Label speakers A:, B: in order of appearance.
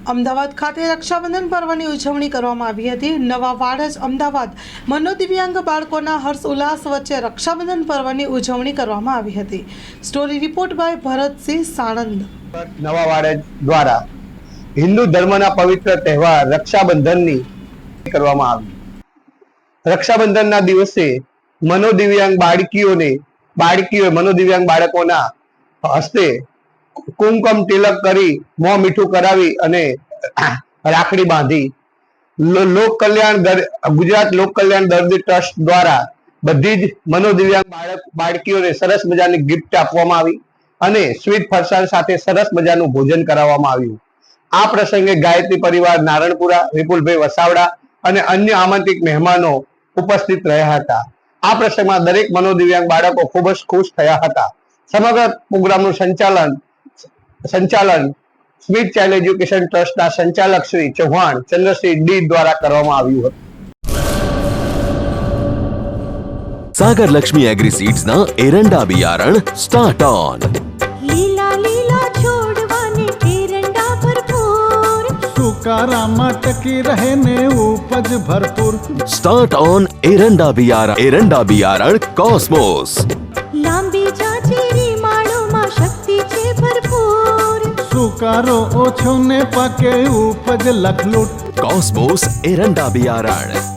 A: અમદાવાદ ખાતે રક્ષાબંધન પર્વની ઉજવણી કરવામાં આવી હતી। નવા વાડજ અમદાવાદ મનોદિવ્યાંગ બાળકોના હર્ષ ઉલ્લાસ વચ્ચે રક્ષાબંધન પર્વની ઉજવણી કરવામાં આવી હતી। Story report by Bharatsinh Sanand.
B: Nava Vadaj દ્વારા હિન્દુ ધર્મના પવિત્ર તહેવાર રક્ષાબંધનની કરવામાં આવી। રક્ષાબંધનના દિવસે મનોદિવ્યાંગ મનોદિવ્યાંગ બાળકોના હસ્તે કુમકમ તિલક કરી મોં મીઠું કરાવી અને રાખડી બાંધી ગુજરાત લોક કલ્યાણ દર્દી ટ્રસ્ટ દ્વારા બધી જ મનોદિવ્યાંગ બાળકીઓને સરસ મજાની ગિફ્ટ આપવામાં આવી અને સ્વીટ ફરસાણ સાથે સરસ મજાનું ભોજન કરાવવામાં આવ્યું। આ પ્રસંગે ગાયત્રી પરિવાર નારણપુરા, વિપુલભાઈ વસાવડા અને અન્ય આમંત્રિત મહેમાનો ઉપસ્થિત રહ્યા હતા। આ પ્રસંગમાં દરેક મનોદિવ્યાંગ બાળકો ખૂબ જ ખુશ થયા હતા। સમગ્ર પ્રોગ્રામનું સંચાલન સ્વીટ ચાઇલ્ડ એજ્યુકેશન ટ્રસ્ટના સંચાલક શ્રી ચૌહાણ ચંદ્રસિંહ ડી દ્વારા કરવામાં આવ્યું હતું।
C: सागर लक्ष्मी एग्री सीड्स ना एरंडा बियारण स्टार्ट ऑन।
D: લીલા લીલા છોડવાને એરંડા ભરપૂર,
E: સુકારામાં ટકી રહે ને ઉપજ ભરપૂર।
C: स्टार्ट ऑन एरंडा बियारण कॉस्मोस।
D: લાંબી જાચેરી માળોમાં શક્તિ છે ભરપૂર,
E: સુકારો ઓછો ને પાકે ઉપજ લખલૂટ।
C: कॉस्मोस एरंडा बियारण।